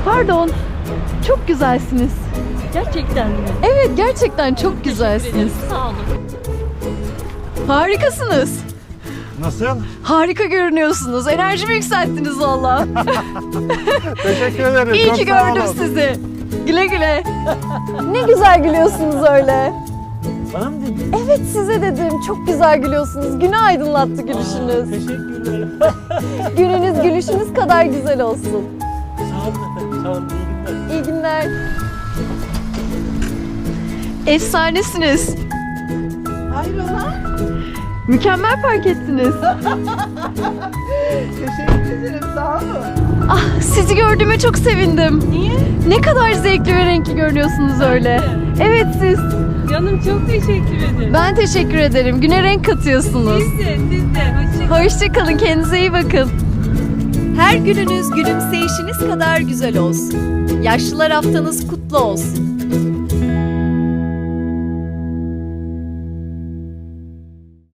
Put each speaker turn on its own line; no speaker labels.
Pardon. Çok güzelsiniz.
Gerçekten mi?
Evet, gerçekten çok güzelsiniz.
Sağ olun.
Harikasınız.
Nasıl?
Harika görünüyorsunuz. Enerjimi yükselttiniz valla.
Teşekkür ederim.
İyi
Çok
ki
sağ
gördüm
olun.
sizi. Güle güle. Ne güzel gülüyorsunuz öyle.
Bana mı dedin?
Evet, size dedim. Çok güzel gülüyorsunuz. Günü aydınlattı gülüşünüz.
Teşekkürler.
Gününüz gülüşünüz kadar güzel olsun.
Sağ olun efendim. Sağ olun. İyi günler.
İyi günler. Efsanesiniz.
Hayrola?
Mükemmel fark ettiniz.
Teşekkür ederim, sağ olun.
Ah, sizi gördüğüme çok sevindim.
Niye?
Ne kadar zevkli ve renkli görünüyorsunuz öyle. Evet, siz.
Canım çok teşekkür ederim.
Ben teşekkür ederim. Güne renk katıyorsunuz.
Siz de. Hoşçakalın.
Hoşçakalın, kendinize iyi bakın. Her gününüz gülümseyişiniz kadar güzel olsun. Yaşlılar haftanız kutlu olsun.